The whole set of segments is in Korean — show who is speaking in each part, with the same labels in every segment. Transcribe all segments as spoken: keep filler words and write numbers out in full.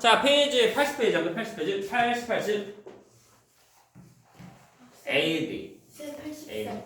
Speaker 1: 자, 페이지 팔십 페이지 한번 팔십 페이지 팔십, 팔십 에이디
Speaker 2: 쌤 팔십
Speaker 1: 에이.
Speaker 2: 살.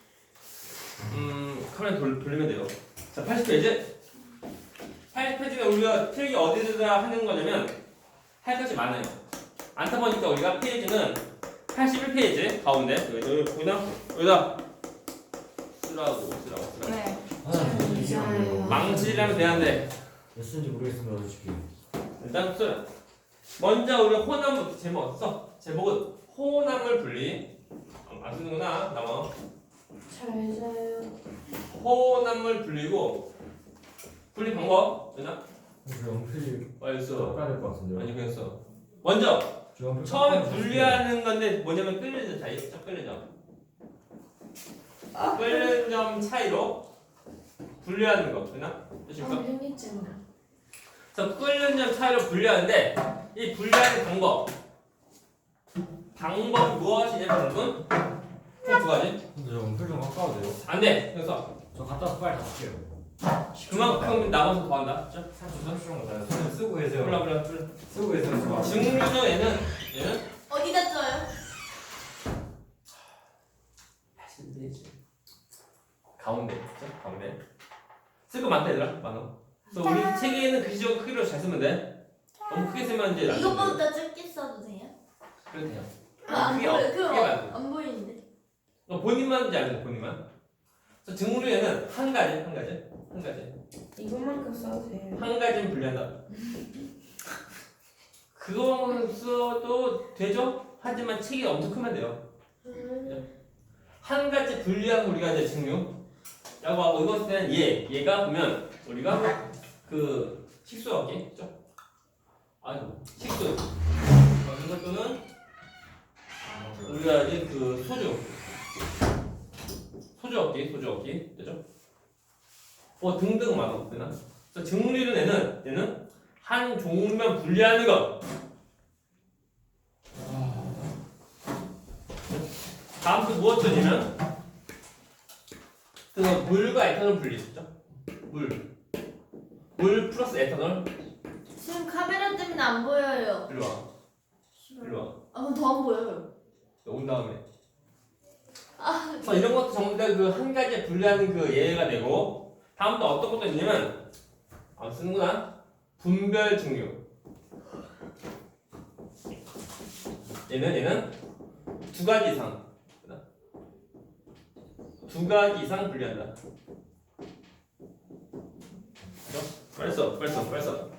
Speaker 1: 음, 카메라 돌, 돌리면 돼요. 자, 팔십 페이지 팔십 페이지가 우리가 필기 어디다 하는 거냐면 할 것이 많아요. 안타 보니까 우리가 페이지는 팔십일 페이지 가운데 여기 보이나? 여기다 쓰라고 쓰라고 쓰라고
Speaker 2: 네.
Speaker 3: 아, 이게 안 돼요.
Speaker 1: 망치려면 되는데
Speaker 3: 몇 쓰는지 모르겠습니다, 솔직히.
Speaker 1: 일단 쓰라. 먼저 우리 호남부 제목 써. 제목은 호남물 분리. 어, 안 쓰는구나. 나와.
Speaker 2: 잘 자요.
Speaker 1: 호남물 분리고 분리 방법 되나?
Speaker 3: 저 연필
Speaker 1: 빨리 써.
Speaker 3: 깎아야 될 것 같은데요.
Speaker 1: 아니 그냥 써. 먼저
Speaker 3: 저 연필
Speaker 1: 처음에
Speaker 3: 깎아야
Speaker 1: 분리하는 건데 뭐냐면 끓는 점 차이. 자, 끓는 점.
Speaker 2: 아,
Speaker 1: 끓는 점 차이로 분리하는 거 되나? 되실까?
Speaker 2: 아, 재밌잖아.
Speaker 1: 그래서 끓는 점 차이로 분리하는데 이 분리하는 방법 방법이 무엇이냐면 여러분 총두 가지
Speaker 3: 근데 저 연필 좀 깎아도 돼요?
Speaker 1: 안돼 그래서
Speaker 3: 저 갖다 와서 빨리 닦을게요.
Speaker 1: 그만큼 나머지 더 한다
Speaker 3: 삼십 분 정도 손 쓰고 계세요.
Speaker 1: 몰라 몰라 몰라
Speaker 3: 쓰고 계세요. 좋아.
Speaker 1: 증류는 얘는 얘는
Speaker 2: 어디다 써요?
Speaker 1: 하시면 되지 가운데 그쵸? 가운데 쓸 거 많다 얘들아 많아 그래서 우리 책에는 글씨적 크기로 잘 쓰면 돼 너무 크게 쓰면 이제 안 돼.
Speaker 2: 이것보다 적게 써도 돼요?
Speaker 1: 그래도 돼요
Speaker 2: 아, 안
Speaker 1: 크게
Speaker 2: 보여.
Speaker 1: 어- 크게
Speaker 2: 그럼
Speaker 1: 말고
Speaker 2: 안 보이는데.
Speaker 1: 어, 본인만 이제 알죠 본인만 그래서 증류에는 한 가지 한 가지 한 가지
Speaker 2: 이것만큼 써도 돼요.
Speaker 1: 한 가지는 분리한다. 그거만 써도 되죠? 하지만 책이 엄청 크면 돼요. 한 가지 분리한 우리가 이제 증류라고 하고 이것은 얘, 얘가 보면 우리가 그 식수 얻기, 그죠? 아이고 식수. 어, 이것도는 우리가 이제 그 소주, 소주 얻기, 소주 얻기, 되죠? 뭐 등등 많아, 되나? 그래서 증류는 얘는 얘는 한 종류만 분리하는 것. 다음 또 무엇이냐면 그 물과 에탄올 분리했죠. 물, 물 플러스 에탄올.
Speaker 2: 지금 카메라 때문에 안 보여요.
Speaker 1: 일로 와, 일로 와.
Speaker 2: 아, 그럼 더 안 보여요.
Speaker 1: 온 다음에. 그래서 이런 것도 전부 다 그 한 가지 분리하는 그 예가 되고 다음 또 어떤 것도 있냐면 안 쓰는구나. 분별 증류. 얘는 얘는 두 가지 이상. 두 가지 이상 분리한다. 그죠? 빨리 써, 빨리 써, 빨리 써.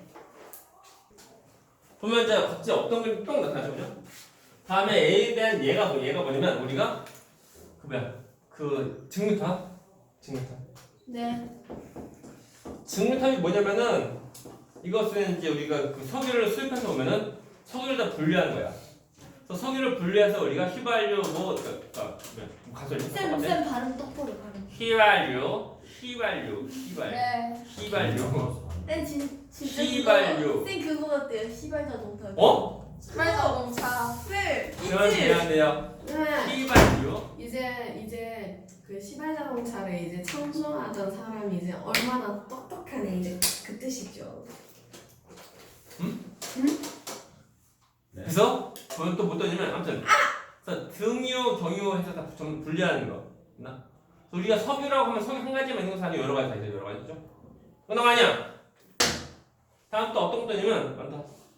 Speaker 1: 보면 이제 각자 어떤 그림이 똥 나타나죠? 다음에 A에 대한 얘가 뭐 얘가 뭐냐면 우리가 그 뭐야 그 증류탑 증류탑
Speaker 2: 네.
Speaker 1: 증류탑이 뭐냐면은 이것은 이제 우리가 그 석유를 수입해서 오면은 석유를 다 분리하는 거야. 그래서 석유를 분리해서 우리가 휘발유 뭐 그러니까 뭐 가솔린
Speaker 2: 쌤,
Speaker 1: 똑같아.
Speaker 2: 쌤 발음 똑바로 발음.
Speaker 1: 휘발유 휘발유 휘발
Speaker 2: 네.
Speaker 1: 휘발유
Speaker 2: 쌤 진, 진짜
Speaker 1: 시발유.
Speaker 2: 그거, 쌤 그거 같대요. 시발 자동차.
Speaker 1: 어?
Speaker 2: 시발 자동차. 쌤.
Speaker 1: 그러면 미안해요.
Speaker 4: 네.
Speaker 1: 휘발유
Speaker 4: 이제 이제 그 시발 자동차를 이제 청소하던 사람이 이제 얼마나 똑똑하네 이제 그 뜻이죠.
Speaker 1: 그래서 저는 또 못 떠냐면 아무튼 그래서 등유, 경유 해서 다 좀 분리하는 거 있나? 우리가 석유라고 하면 석유 한 가지만 있는 것이 아니고 여러 가지 다 있어요. 여러 가지죠. 그런 거 아니야. 다음 또 어떤 것도 있냐면 많다.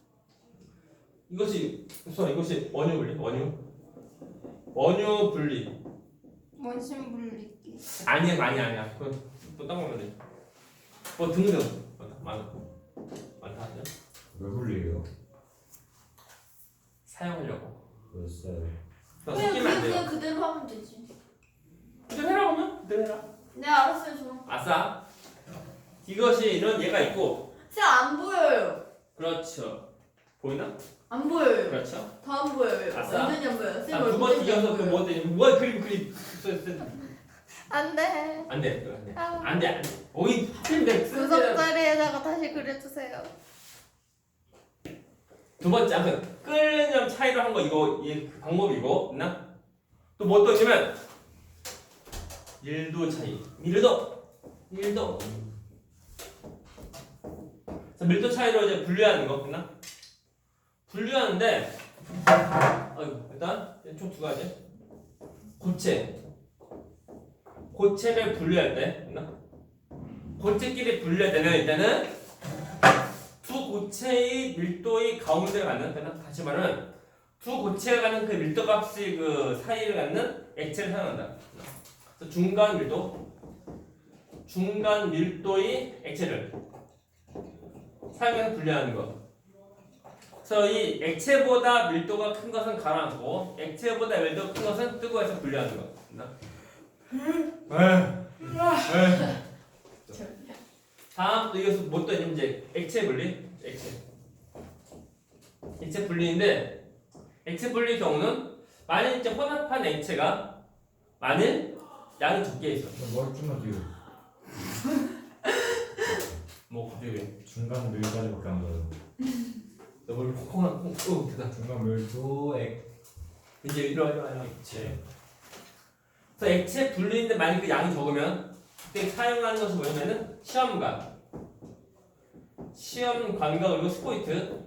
Speaker 1: 이것이 우선 이것이 원유 분리, 원유 원유 분리
Speaker 2: 원심 분리기.
Speaker 1: 아니야, 아니야, 아니야. 그건 또딴 거면 돼. 뭐 등등 많다, 많아, 많다 하죠.
Speaker 3: 왜 불리해요?
Speaker 1: 사용하려고.
Speaker 3: 글쎄요.
Speaker 1: 그래서
Speaker 2: 그냥
Speaker 1: 섞이면 안
Speaker 2: 그냥,
Speaker 1: 돼요.
Speaker 2: 그냥 그대로 하면 되지.
Speaker 1: 그대로 해라 그러면 그대로 해라.
Speaker 2: 네, 알았어요, 저.
Speaker 1: 아싸. 이것이 이런 얘가 있고,
Speaker 2: 쌤 안 보여요.
Speaker 1: 그렇죠. 보이나?
Speaker 2: 안 보여요.
Speaker 1: 그렇죠.
Speaker 2: 더 안 보여요.
Speaker 1: 아싸.
Speaker 2: 완전히 안 보여요. 쌤
Speaker 1: 자, 두
Speaker 2: 얼굴
Speaker 1: 번
Speaker 2: 때문에 안
Speaker 1: 이어서 또
Speaker 2: 보여요.
Speaker 1: 뭐 되니? 뭐 그림 그림.
Speaker 2: 안 돼.
Speaker 1: 안 돼. 그거 안 돼.
Speaker 2: 아.
Speaker 1: 안 돼. 안 돼. 오이 하필 내
Speaker 2: 구석 자리에다가 다시 그려주세요.
Speaker 1: 두 번째 아무튼 끓는 점 차이로 한 거 이거 이 방법이고, 있나? 또 뭐 또 있냐면 일 도 차이. 밀도. 밀도. 그래서 밀도 차이로 이제 분리하는 거, 있나? 분류하는데 아이고, 일단 총 두 가지. 고체. 고체를 분류할 때, 있나? 고체끼리 분류할 때는 일단은 두 고체의 밀도의 가운데를 갖는, 되나? 다시 말하면 두 고체가 갖는 그 밀도 값의 그 사이를 갖는 액체를 사용한다. 그래서 중간 밀도, 중간 밀도의 액체를 사용해서 분류하는 거. 그래서 이 액체보다 밀도가 큰 것은 가라앉고 액체보다 밀도가 큰 것은 뜨고 해서 분류하는 거. 다음 또 이것은 뭐 또 있는 문제? 액체 분리. 액체. 액체 분리인데 액체 분리 경우는 만일 이제 혼합한 액체가 만일 양이 적게 있어.
Speaker 3: 뭘 좀만 뒤로.
Speaker 1: 뭐 갑자기
Speaker 3: 중간 밀까지밖에 안 가요.
Speaker 1: 너무 콩콩한 콩. 어, 대단.
Speaker 3: 중간 밀도 액
Speaker 1: 이제 이리와 이리와 이리와.
Speaker 3: 액체.
Speaker 1: 그래서 액체 분리인데 만약 그 양이 적으면 그때 사용하는 것이 뭐냐면은 시험관, 시험관과 그리고 스포이트,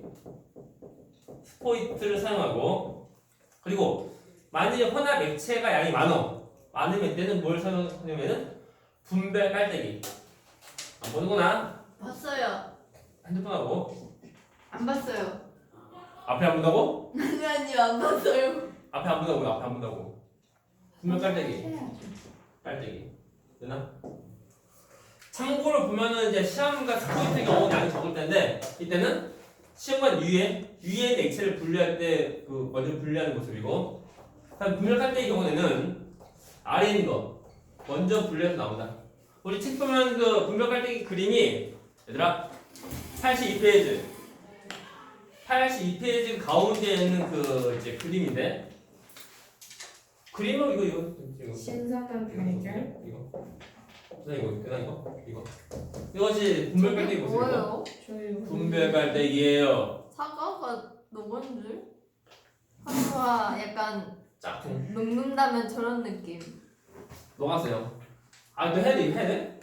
Speaker 1: 스포이트를 사용하고 그리고 만약에 혼합 액체가 양이 많어 많으면 때는 뭘 사용하냐면은 분배 깔때기. 안 보는구나.
Speaker 2: 봤어요.
Speaker 1: 핸드폰하고
Speaker 2: 안 봤어요.
Speaker 1: 앞에 안 본다고?
Speaker 2: 아니 아니요 안 봤어요.
Speaker 1: 앞에 안 본다고 앞에 안 본다고. 분배 깔때기. 깔때기. 되나? 참고로 보면은 이제 시험관 스포이트 경우는 양이 적을 텐데 이때는 시험관 위에 위에 있는 액체를 분류할 때 그 먼저 분류하는 모습이고 다음 분별 깔때기 경우에는 아래 있는 거 먼저 분류해서 나온다. 우리 책 보면 그 분별 깔때기 그림이 얘들아 팔십이 페이지 팔십이 페이지 가운데 있는 그 이제 그림인데 그림은 이거 이거 이거
Speaker 4: 신선한 발견.
Speaker 1: 이거 그다음 이거 그다음 이거 이거 이것이 분별 깔때기 모습이고
Speaker 2: 뭐예요?
Speaker 4: 저희
Speaker 1: 분별 깔때기예요.
Speaker 2: 사과가 녹은 줄? 사과 약간
Speaker 1: 짝퉁
Speaker 2: 녹는다면 저런 느낌.
Speaker 1: 녹았어요. 아, 너 해야 돼, 이거 해야 돼?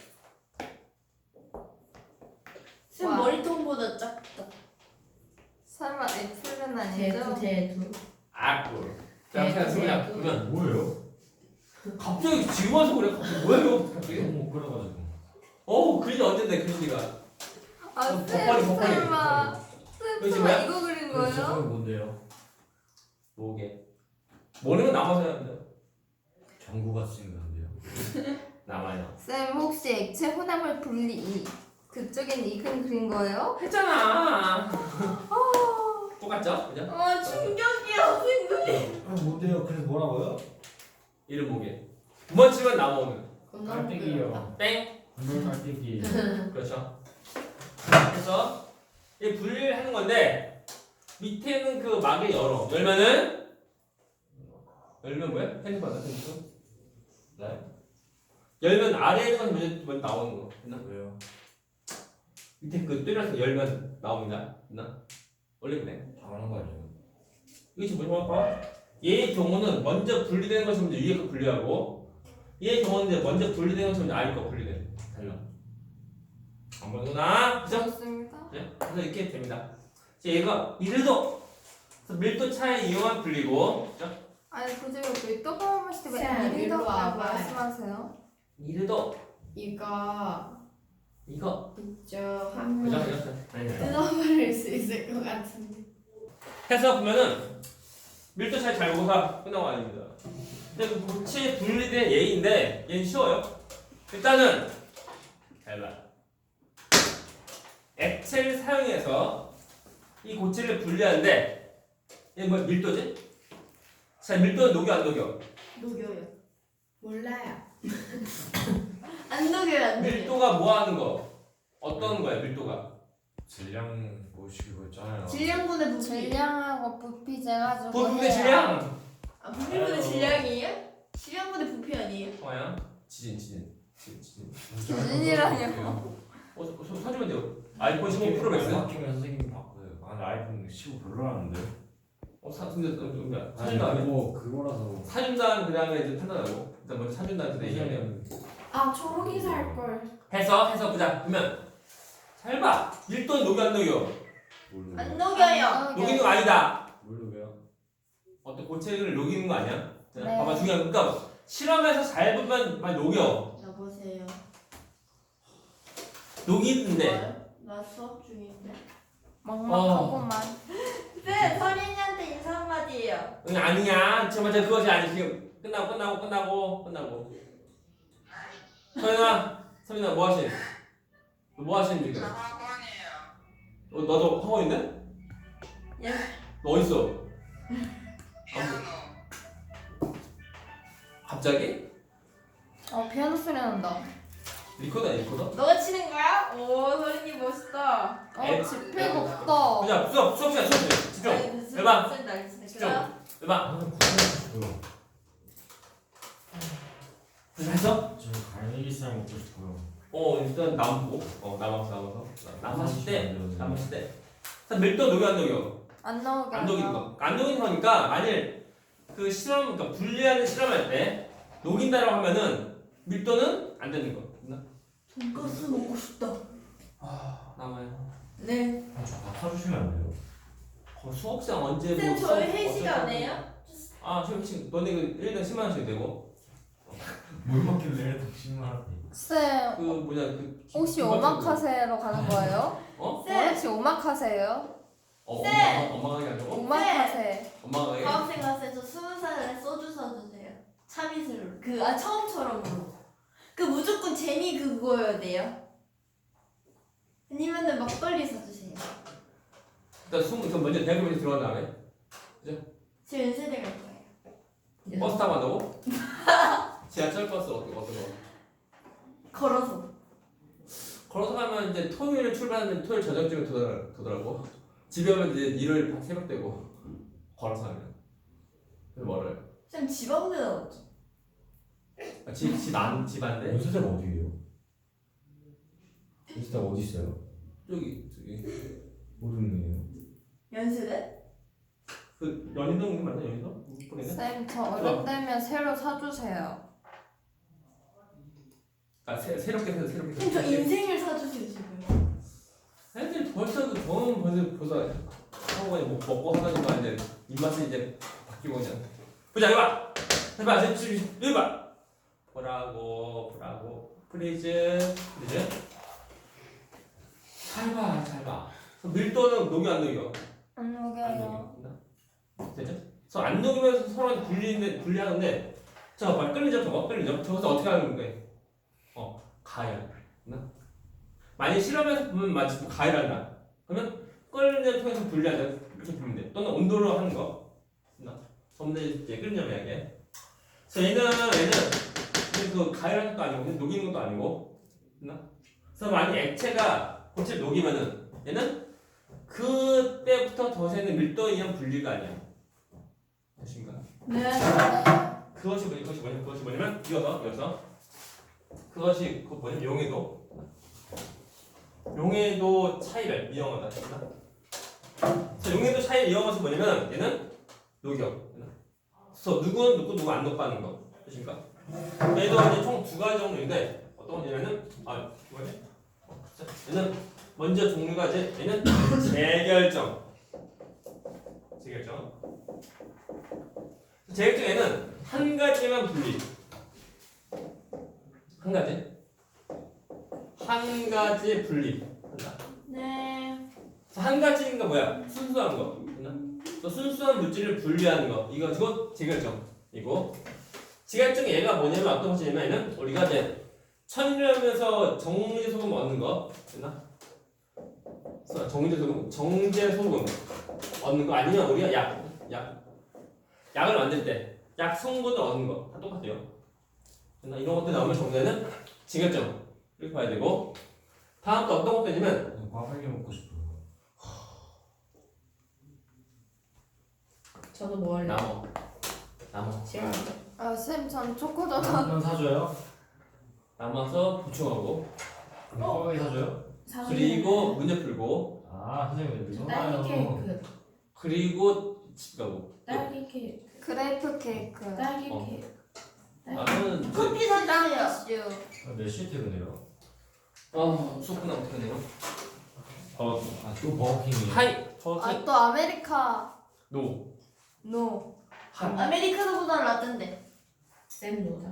Speaker 2: 쌤
Speaker 5: 와.
Speaker 2: 머리통보다 작다.
Speaker 5: 설마 애플은
Speaker 4: 대두
Speaker 5: 아니죠?
Speaker 4: 대두.
Speaker 1: 아, 꿀. 자,
Speaker 4: 네,
Speaker 1: 그냥 그냥
Speaker 4: 네.
Speaker 1: 그러면
Speaker 3: 뭐예요?
Speaker 1: 갑자기 지금 와서 그래. 갑자기 뭐예요? 갑자기?
Speaker 3: 너무 끓여가지고.
Speaker 1: 어우, 그린이 언젠데 그린이가.
Speaker 5: 아
Speaker 1: 어,
Speaker 5: 쌤
Speaker 1: 버퍼리, 버퍼리,
Speaker 5: 설마
Speaker 1: 이거
Speaker 5: 쌤
Speaker 1: 지금
Speaker 5: 설마
Speaker 1: 뭐야?
Speaker 5: 이거 그린
Speaker 3: 저건
Speaker 5: 거예요?
Speaker 3: 뭔데요?
Speaker 1: 뭐게? 모르는 건 남아서 해야 돼.
Speaker 3: 전구가 쓰인 건데요.
Speaker 1: 남아요.
Speaker 5: 쌤 혹시 액체 혼합을 분리 그쪽엔 이근 그린 거예요?
Speaker 1: 했잖아. 똑같죠? 그죠?
Speaker 2: 아 충격이야 생각이.
Speaker 3: 아 뭔데요? 그래서 뭐라고요?
Speaker 1: 이름 뭐게? 두번 치면 나오는.
Speaker 3: 깔때기요.
Speaker 1: 땡.
Speaker 3: 분별 깔때기.
Speaker 1: 그렇죠. 그래서 이 분리를 하는 건데 밑에는 그 막을 열어. 열면은 열면 뭐야? 핸드폰 같은 거.
Speaker 3: 네?
Speaker 1: 열면 아래에 있는 건 먼저, 먼저 나오는 거. 있나?
Speaker 3: 왜요?
Speaker 1: 밑에 그 뚫려서 열면 나옵니다. 있나? 원래 그래.
Speaker 3: 당연한 거 아니에요?
Speaker 1: 이거 지금 뭐라고 할까? 얘의 경우는 먼저 분리되는 것이 먼저 위에 거 분리하고 얘의 경우는 이제 먼저 분리되는 것이 먼저 아래 거 분리돼. 달라. 안 보는구나. 그죠?
Speaker 5: 그렇습니다.
Speaker 1: 네? 그래서 이렇게 됩니다. 이제 얘가 이래도 그래서 밀도 차이 이용한 분리고 그죠?
Speaker 5: 아니 그중에 밀도 포함했을 때
Speaker 4: 쌤,
Speaker 5: 왜
Speaker 4: 일로
Speaker 5: 이리도
Speaker 4: 와봐요.
Speaker 5: 말씀하세요?
Speaker 1: 이래도
Speaker 4: 이거
Speaker 1: 이거
Speaker 4: 있죠
Speaker 1: 그죠?
Speaker 4: 하면
Speaker 1: 그죠? 아니
Speaker 4: 뜯어버릴 수 있을 것 같은데.
Speaker 1: 해서 보면은 밀도 차이 잘 보고서 끝나고 아닙니다. 근데 그 고체 분리된 예인데 얘는 쉬워요. 일단은 잘 봐. 액체를 사용해서 이 고체를 분리하는데 얘 뭐 밀도지? 자 밀도는 녹여 안 녹여?
Speaker 2: 녹여요.
Speaker 4: 몰라요.
Speaker 2: 안 녹여요 안 녹여.
Speaker 1: 밀도가 뭐 하는 거? 어떤 거야 밀도가?
Speaker 3: 질량 보시고 있잖아요.
Speaker 2: 질량분의 부피.
Speaker 5: 질량하고 부피 재가지고
Speaker 1: 부피의
Speaker 5: 해요.
Speaker 1: 질량.
Speaker 2: 아 부피분의 질량이에요? 질량분의 부피 아니에요?
Speaker 1: 뭐야? 지진 지진 지진 지진.
Speaker 5: 지진이라뇨.
Speaker 1: 어, 서- 서- 사주면 돼요. 아이폰 십오 프로 맥스.
Speaker 3: 바뀌면 선생님이 바꿔요. 아 근데 아이폰 십오 별로라는데.
Speaker 1: 어, 사, 근데 어, 뭔가
Speaker 3: 아니
Speaker 1: 사준 다음에
Speaker 3: 그거 그거라서.
Speaker 1: 사준 다음 그 다음에 이제 판단하고 일단 먼저 사준 다음에 그다음에 얘기하면
Speaker 4: 아 초록이 살 걸.
Speaker 1: 해서 해서 보자. 그러면 잘 봐. 밀도는 녹여 안 녹여?
Speaker 3: 뭘
Speaker 2: 안
Speaker 3: 녹여요?
Speaker 2: 녹여요.
Speaker 1: 녹이는 거 아니다.
Speaker 3: 뭘 녹여요?
Speaker 1: 어떤 고체를 녹이는 거 아니야? 자,
Speaker 5: 네.
Speaker 1: 봐봐 중요한 거. 그러니까 실험에서 잘 보면 많이 녹여.
Speaker 2: 여보세요.
Speaker 1: 녹이는데
Speaker 2: 뭐요? 나 수업 중인데.
Speaker 5: 막막하고만.
Speaker 2: 네, 서린이한테 인사 한마디예요.
Speaker 1: 응, 아니야. 정말 저 그것이 아니 지금 끝나고 끝나고 끝나고 끝나고. 서윤아, 서윤아 뭐 하시니? 너 뭐 하시니 지금? 어, 너도 학원인데?
Speaker 2: 예.
Speaker 1: 너 어디 있어? 갑자기?
Speaker 5: 어 피아노 소리 난다.
Speaker 1: 리코더야 리코더?
Speaker 2: 너가 치는 거야? 오, 서린이 멋있다.
Speaker 1: 에?
Speaker 5: 어 지폐가 없다.
Speaker 1: 그냥 수업 수업 시간 수업 시간 집중.
Speaker 2: 아니,
Speaker 1: 해봐.
Speaker 2: 무슨 날씨네.
Speaker 1: 집중.
Speaker 2: 그럼
Speaker 1: 해봐.
Speaker 3: 나는 구하고 싶어요.
Speaker 1: 했어?
Speaker 3: 저는 갈매기살 먹고 싶어요.
Speaker 1: 어 일단 남고. 어 남았어 남았어. 남았을 때
Speaker 3: 안 돼요.
Speaker 1: 남았을 때. 자 밀도 녹여 안 녹여?
Speaker 5: 안 나오게.
Speaker 1: 안 녹이는 거. 안 녹이는 거니까 만일 그 실험 그러니까 분리하는 실험할 때 녹인다라고 하면은 밀도는 안 되는 거. 됐나?
Speaker 2: 돈가스 먹고 싶다.
Speaker 1: 아 남아요.
Speaker 2: 네.
Speaker 3: 저밥 사주시면 안 돼요?
Speaker 1: 어, 수업 시간 언제
Speaker 2: 쌤,
Speaker 1: 뭐
Speaker 2: 저희
Speaker 1: 수업
Speaker 2: 회식
Speaker 1: 어쩔
Speaker 2: 안
Speaker 1: 건데.
Speaker 2: 해요?
Speaker 1: 아 수업 회식 너네 그 일 년 십만 원씩 내고
Speaker 3: 뭘 먹길래 백십만 원?
Speaker 5: 쌤
Speaker 1: 그 뭐냐 그
Speaker 5: 혹시
Speaker 1: 그
Speaker 5: 오마카세로 가는 거예요?
Speaker 1: 어?
Speaker 2: 쌤,
Speaker 5: 혹시 오마카세예요?
Speaker 1: 어
Speaker 2: 쌤!
Speaker 1: 엄마가 엄마가 하게 하려고?
Speaker 5: 오마카세.
Speaker 1: 엄마가 하게?
Speaker 2: 과학생 갔을 때 저 스무 살에 소주 사주세요. 참이슬로. 그, 아, 처음처럼으로. 그 무조건 재미 그거여야 돼요. 아니면은 막걸리 사주세요.
Speaker 1: 일단 스무 그 먼저 대학교 먼저 들어간 다음에
Speaker 2: 저 연세대 갈 거예요.
Speaker 1: 버스 타고 간다고? 지하철 버스 어떤 거 어떤 거?
Speaker 2: 걸어서.
Speaker 1: 걸어서 가면 이제 토요일 출발하면 토요일 저녁쯤에 도달, 도달하고 집에 오면 이제 일요일 밤 새벽 되고 걸어서 하면 그래서 멀어요.
Speaker 2: 쌤, 집 앞에 나왔죠?
Speaker 1: 아, 집, 집 안, 집 안데
Speaker 3: 연세대가 어디예요? 연세대가 어디 있어요?
Speaker 1: 저기 저기
Speaker 3: 모르겠네요.
Speaker 2: 연세대?
Speaker 1: 그 연희동 맞나 연희동? 보내네?
Speaker 5: 쌤저 어른되면 새로 사주세요.
Speaker 1: 아 새, 새롭게 해서 새롭게
Speaker 2: 쌤, 저 인생을 사주세요, 지금.
Speaker 1: 애들 벌써 그 돈 벌써 벌써 하고 그냥 뭐 먹고 사가지고 이제 입맛이 이제 바뀌고 그냥 보자 해봐 해봐 지금 해봐 보라고 보라고 프리즈 프리즈 잘봐 잘봐 밀도는 녹여 안 녹여
Speaker 5: 안
Speaker 1: 안
Speaker 5: 녹여요.
Speaker 1: 녹여 되죠? 그래서 안 녹이면서 서로 분리인데 분리하는데 자 말 끓이죠 저거 끓이죠 저것도 어떻게 하는 거예요? 어 가열 만약 실험에서 보면 마치 뭐 가열한다 그러면 끓는 통해서 분리한다 이렇게 보면 돼 또는 온도로 하는 거 전부 이제 끓는 점 이야기해 그래서 얘는 얘는 그 가열하는 것도 아니고 그냥 녹이는 것도 아니고 됐나? 그래서 만약 액체가 고체를 녹이면은 얘는 그때부터 더 새는 밀도에 의한 분리가 아니야 되신가?
Speaker 2: 네.
Speaker 1: 그것이 뭐냐 그것이 뭐냐 그것이 뭐냐면 이어서 이어서 그것이 그 뭐냐 용해도 용해도 차이를 이용하다 됐나? 자 용해도 차이를 이용해서 뭐냐면 얘는 녹여 그래서 누구는 녹고 누구 안 녹고 하는 거 되신가? 얘도 이제 총 두 가지 종류인데 어떤 거냐면은 아 뭐지? 얘는 먼저 종류가 이제 얘는 재결정 재결정 재결정에는 한 가지만 분리 한 가지 한 가지 분리 한다
Speaker 2: 네.
Speaker 1: 한 가지가 뭐야 순수한 거 또 순수한 물질을 분리하는 거 이거 이거 재결정이고 재결정 얘가 뭐냐면 어떤 것이냐면 얘는 우리가 이제 천일하면서 정제 소금 얻는 거 됐나? 정제 소금 정제 소금 얻는 거 아니면 우리가 약 약 약을 만들 때 약 성분을 얻는 거 다 똑같아요. 됐나? 이런 것들 나오면 정제는 재결정 이렇게 봐야 되고 다음 또 어떤 것도 있냐면
Speaker 3: 꽈배기 먹고 싶어요.
Speaker 4: 저도 뭐 할래요?
Speaker 1: 나무 나무
Speaker 4: 싫어요.
Speaker 5: 아 쌤 전 초코도
Speaker 3: 한번 사줘요?
Speaker 1: 남아서 보충하고
Speaker 3: 그럼 꽈배기 사줘요?
Speaker 1: 그리고 문제 풀고
Speaker 3: 아 선생님 왜
Speaker 4: 딸기
Speaker 3: 그러나요?
Speaker 4: 케이크,
Speaker 1: 그리고 집 가고
Speaker 4: 딸기 케이크,
Speaker 5: 그레이프 케이크.
Speaker 4: 딸기
Speaker 1: 어.
Speaker 4: 케이크.
Speaker 1: 나는 이제
Speaker 2: 커피 사주세요.
Speaker 5: 슈.
Speaker 3: 몇 시에 퇴근해요?
Speaker 1: 아 수업 끝나면 어떻게 하네요? 버거.
Speaker 3: 아또 버거킹이에요.
Speaker 1: 하이 버거.
Speaker 5: 아 또 아메리카
Speaker 1: 노.
Speaker 5: 노.
Speaker 1: 한.
Speaker 2: 아메리카노보다 라떼인데.
Speaker 4: 쌤 노자.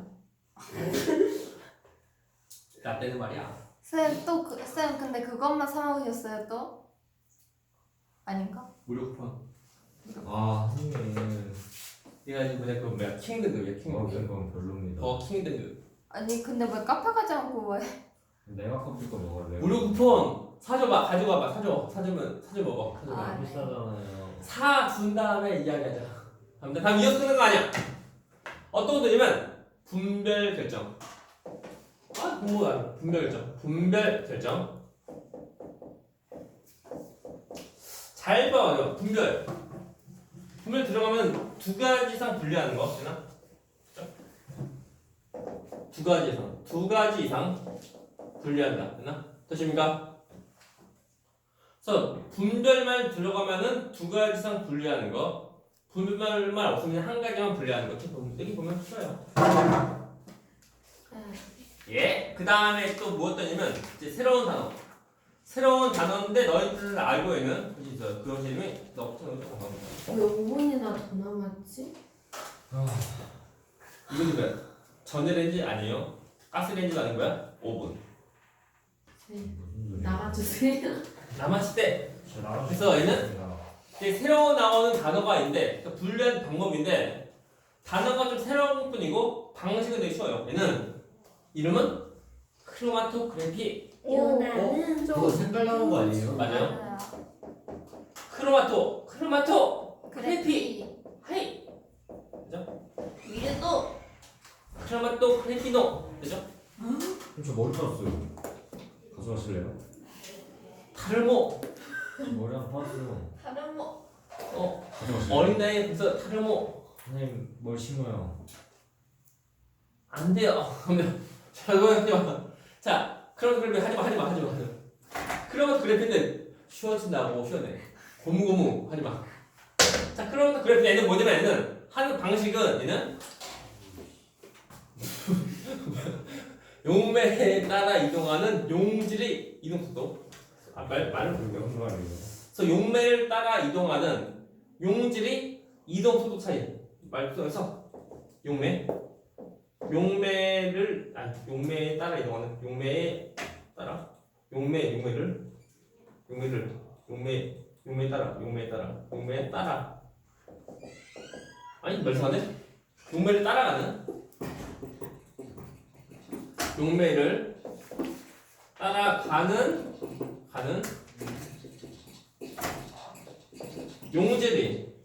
Speaker 1: 라떼는 말이야.
Speaker 5: 쌤또쌤 근데 그것만 사 먹으셨어요 또? 아닌가?
Speaker 1: 무료 쿠폰.
Speaker 3: 아 선생님.
Speaker 1: 얘가 지금 뭐냐 그 뭐야 킹 등급이야 킹
Speaker 3: 버거킹
Speaker 1: 등급.
Speaker 3: 건 별로입니다.
Speaker 1: 버거 킹 등급.
Speaker 5: 아니 근데 왜 카페 가지 않고 왜?
Speaker 3: 내가 커피 거 먹을래요.
Speaker 1: 무료 쿠폰 사줘봐 가져가봐 사줘 사주면 사줘 먹어 사줘
Speaker 5: 아,
Speaker 1: 먹어.
Speaker 5: 네.
Speaker 3: 비싸잖아요.
Speaker 1: 사준 다음에 이야기하자. 다음 다음 이어서 쓰는 거 아니야. 어떤 것들이면 분별 결정. 아 공부 안 분별 결정. 분별 결정. 잘 봐요 분별. 분별 들어가면 두 가지 이상 분리하는 거 되나? 두 가지 이상 두 가지 이상 분리한다 되나? 되십니까? 그래서 분별만 들어가면은 두 가지 이상 분리하는 거, 분별만 없으면 한 가지만 분리하는 거. 이렇게 보면 여기 보면 쉬워요. 예. 그 다음에 또 무엇더냐면 이제 새로운 단어. 새로운 단어인데 너희들 알고 있는 그지 있어요. 그 이름이 너부터 너부터 건강합니다.
Speaker 4: 왜 오 분이나 더 남았지?
Speaker 1: 이건 뭐야? 전자레인지 아니에요. 가스레인지도 아닌 거야? 오 분.
Speaker 4: 쌤
Speaker 3: 무슨 소리야?
Speaker 4: 나가주세요.
Speaker 1: 남았을 때
Speaker 3: 저 나가서
Speaker 1: 그래서 얘는
Speaker 3: 싶습니다.
Speaker 1: 이제 새로 나오는 단어가 있는데 그러니까 분류하는 방법인데 단어가 좀 새로운 뿐이고 방식은 되게 쉬워요. 얘는 이름은 크로마토그래피.
Speaker 4: 유나는
Speaker 3: 그거 색깔 나는 거 아니에요?
Speaker 1: 맞아요. 크로마토 크로마토 그래피 하이
Speaker 2: 위에도
Speaker 1: 크로마토 그래피노 되죠?
Speaker 3: 그럼 저 머리 빠졌어요. 가져가실래요?
Speaker 1: 타르모
Speaker 3: 머리 하나 빠졌어요.
Speaker 2: 다른 뭐
Speaker 1: 어
Speaker 3: 가져가실래요?
Speaker 1: 어린 나이에 벌써 타르모
Speaker 3: 선생님 뭘 심어요?
Speaker 1: 안 돼요. 그러면 자 이거 하지마. 자 크로마토 그래피 하지마 하지마 하지마 하지마. 크로마토 그래피는 쉬워진다고 쉬워내. 고무고무 하지마. 자 크로마토 그래피 얘는 뭐냐면 얘는 하는 방식은 얘는 용매에 따라 이동하는 용질의 이동 속도. 아, 말 말을 모르겠어.
Speaker 3: 무슨 말이에요?
Speaker 1: 그래서 용매를 따라 이동하는 용질의 이동 속도 차이. 말표에서 용매, 용매를 아니 용매에 따라 이동하는 용매에 따라 용매 용매를 용매를 용매 용매에 따라 용매에 따라 용매에 따라 아니 말씀하네. 용매를 따라가는 용매를 따라가는 가는 용질의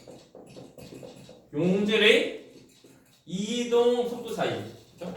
Speaker 1: 용질의 이동 속도 차이, 그죠?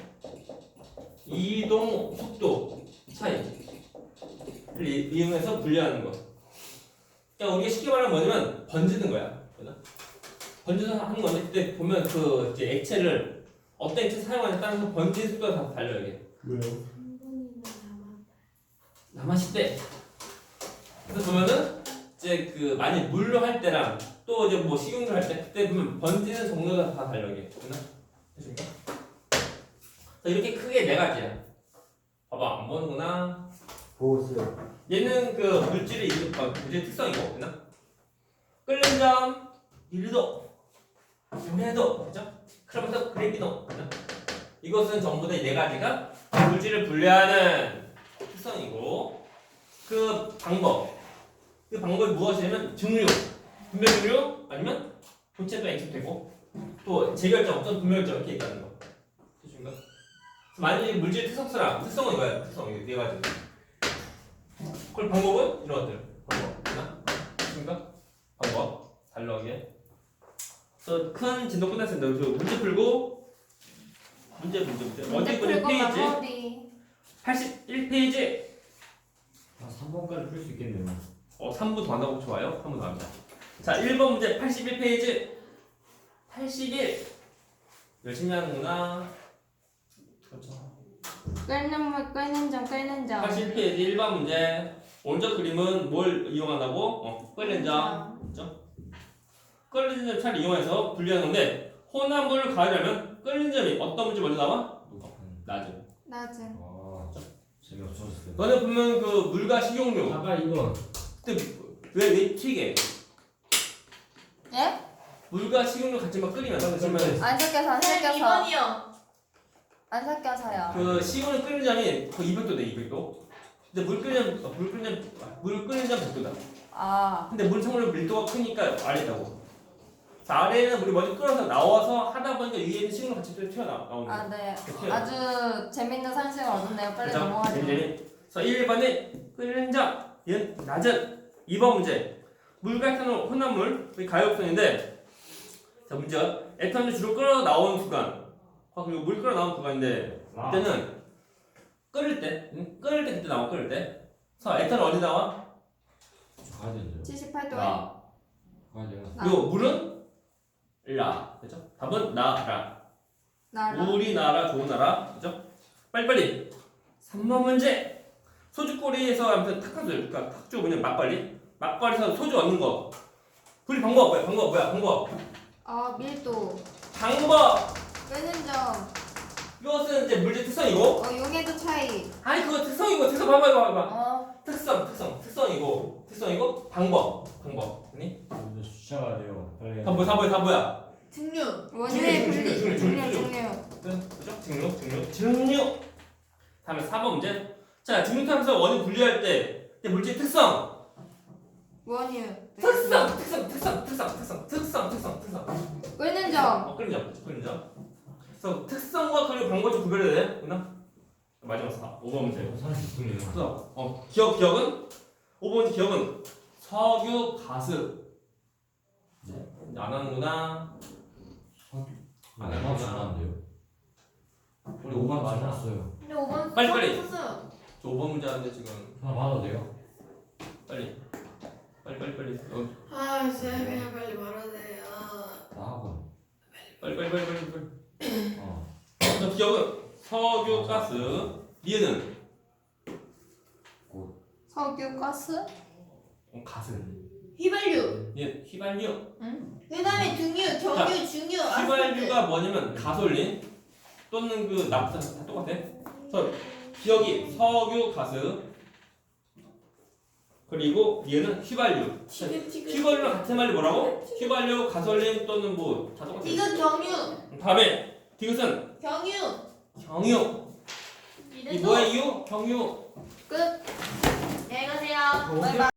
Speaker 1: 이동 속도 차이를 이- 이용해서 분리하는 거. 그러니까 우리가 쉽게 말하면 뭐냐면 번지는 거야, 그죠? 번지서 하는 건데 그때 보면 그 이제 액체를 어떤 액체 사용하냐에 따라서 번지는 속도가 다 달라요 이게.
Speaker 3: 왜요?
Speaker 4: 한 분이나 남았.
Speaker 1: 남았을 때 그래서 보면은 이제 그 많이 물로 할 때랑 또 이제 뭐 식용유 할 때 그때 보면 번지는 정도가 다 달라 이게 됐나? 됐습니까? 그래서 이렇게 크게 네 가지야. 봐봐 안 보는구나.
Speaker 3: 보고 있어요.
Speaker 1: 얘는 그 물질의 이름, 아, 물질의 특성이고 됐나? 끓는 점 일 도 영 도 그죠? 크로마토 그래피노 그죠? 이것은 전부 다 이 네 가지가 물질을 분리하는 특성이고 그 방법 그 방법이 무엇이냐면 증류 분별 증류 아니면 본체도 액체되고 또 재결정 어떤 분별결정 이렇게 있다는 거 되십니까? 만약에 물질 특성수랑 특성은 이거야 특성 이거 네 가지 그걸 방법은 이런 것들 방법 되나? 되십니까? 방법 달러하게 그래서 큰 진도 끝났습니다. 그래서 문제 풀고 문제 문제 문제 어디
Speaker 5: 문제
Speaker 1: 보니
Speaker 5: 풀고
Speaker 1: 페이지
Speaker 5: 마무리.
Speaker 1: 팔십일 페이지
Speaker 3: 아 삼 번까지 풀 수 있겠네요.
Speaker 1: 어 삼 부 더 한다고 좋아요? 삼 부 더 합니다. 자 일 번 문제 팔십일 페이지 팔십일 열심히 하는구나. 그렇죠.
Speaker 5: 끓는 물 끓는 점 끓는 점.
Speaker 1: 팔십일 페이지 일 번 문제 오른쪽 그림은 뭘 이용한다고? 어 끓는 점 그렇죠? 끓는 점 차를 이용해서 분리하는 건데 혼합물을 가하려면 끓는 점이 어떤 문제 먼저 나와? 낮은
Speaker 5: 낮은.
Speaker 3: 아 재미없어졌어요.
Speaker 1: 너네 보면 그 물과 식용유.
Speaker 3: 아까 이거
Speaker 1: 근데 왜왜 튀게?
Speaker 5: 예?
Speaker 1: 물과 식용유 같이 막 끓이면 그러면
Speaker 5: 안 섞여서 안
Speaker 2: 네,
Speaker 5: 섞여서
Speaker 2: 이 번이요.
Speaker 5: 안 섞여서요.
Speaker 1: 그 식용유 끓이는 점이 거의 이백 도 돼, 이백 도. 근데 물 끓이는 점, 물 끓이는 점, 물 끓이는 점 백 도다.
Speaker 5: 아,
Speaker 1: 근데 물 청물 밀도가 크니까 아래다고. 자, 아래에는 물이 먼저 끓어서 나와서 하다 보니까 위에는 식용유 같이 또 튀어나오는 거야.
Speaker 5: 아 네.
Speaker 1: 튀어나와.
Speaker 5: 아주 재밌는 상식을 얻었네요. 빨리
Speaker 1: 그죠?
Speaker 5: 넘어가죠.
Speaker 1: 재밌지? 그래서 일 번에 끓는 점, 얘는 낮은. 이 번 문제. 물과 에탄올 혼합물, 우리 가역성인데, 자, 문제가 에탄올이 주로 끓어 나오는 구간. 아, 그리고 물 끓어 나오는 구간인데,
Speaker 3: 아.
Speaker 1: 그때는 끓을 때, 응? 끓을 때 그때 나와, 끓을 때. 그래서 에탄올 어디 나와?
Speaker 3: 저 가야 되는데요.
Speaker 5: 칠십팔 도에
Speaker 1: 나.
Speaker 3: 가야 돼요.
Speaker 5: 나.
Speaker 1: 그리고 물은 라. 그죠? 답은 나라.
Speaker 5: 나라.
Speaker 1: 우리나라 좋은 나라. 그죠? 빨리빨리. 삼 번 문제. 소주꼬리에서 아무튼 탁한 소주, 그러니까 탁주 뭐냐 막걸리. 막걸리에서 소주 얻는 거. 분리 방법 뭐야? 방법 뭐야? 방법.
Speaker 5: 아 밀도.
Speaker 1: 방법.
Speaker 5: 끄는 점.
Speaker 1: 이것은 이제 물질 특성이고.
Speaker 5: 어 용해도 차이.
Speaker 1: 아니 그거 특성이고 특성 봐봐 봐봐 봐봐.
Speaker 5: 어
Speaker 1: 특성 특성 특성이고 특성이고 방법 방법. 아니?
Speaker 3: 근데 수차가 돼요. 빨리.
Speaker 1: 다 뭐야 다 뭐야 다 뭐야.
Speaker 2: 등류.
Speaker 5: 원인의
Speaker 1: 중류,
Speaker 5: 분리.
Speaker 1: 중류, 중류,
Speaker 5: 중류
Speaker 1: 중류.
Speaker 5: 중류.
Speaker 1: 그죠? 증류 증류 증류. 다음에 사 번 문제. 자 증류탄소 원인 분리할 때 이제 물질 특성.
Speaker 5: 원유.
Speaker 1: 특성 특성 특성 특성 특성 특성 특성 특성.
Speaker 5: 끄는 점.
Speaker 1: 어 끓는 점 끓는 점. 그래서 특성과 그리고 방법 좀 구별해야 돼. 누나? 마지막 사 오 번 문제.
Speaker 3: 삼십 분이에요.
Speaker 1: 그래서 어 기억 기억은 오 번 기억은 석유 가스. 네. 안 하는구나.
Speaker 3: 아, 내가 잘하는데요. 우리 오만
Speaker 1: 맞아.
Speaker 3: 잘났어요.
Speaker 2: 근데 오 번
Speaker 1: 빨리, 빨리.
Speaker 2: 썼어요.
Speaker 1: 저 오 번 문제 하는데 지금
Speaker 3: 하나 받아도 돼요?
Speaker 1: 빨리 빨리 빨리 빨리 어,
Speaker 4: 아 쌤이야 빨리 말하세요.
Speaker 3: 나 학원.
Speaker 1: 빨리 빨리 빨리 빨리 빨리.
Speaker 3: 어.
Speaker 1: 저 기억은 석유 가스. 얘는
Speaker 5: 석유 가스.
Speaker 1: 어, 가스.
Speaker 2: 휘발유.
Speaker 1: 얘 휘발유.
Speaker 2: 그다음에 등유, 경유, 중유, 아스팔트.
Speaker 1: 휘발유가 뭐냐면 가솔린 또는 그 납사 다 똑같아. 그래서 기억이 석유 가스. 그리고 얘는 휘발유.
Speaker 2: 티그티그.
Speaker 1: 휘발유랑 같은 말이 뭐라고? 휘발유, 가솔린 또는 뭐 다 똑같아.
Speaker 2: 디귿 경유.
Speaker 1: 다음에 디귿은
Speaker 2: 경유.
Speaker 1: 경유. 이
Speaker 2: 이래서
Speaker 1: 뭐야 이유? 경유.
Speaker 2: 끝. 안녕히 가세요.
Speaker 1: 경유.
Speaker 2: 바이바이.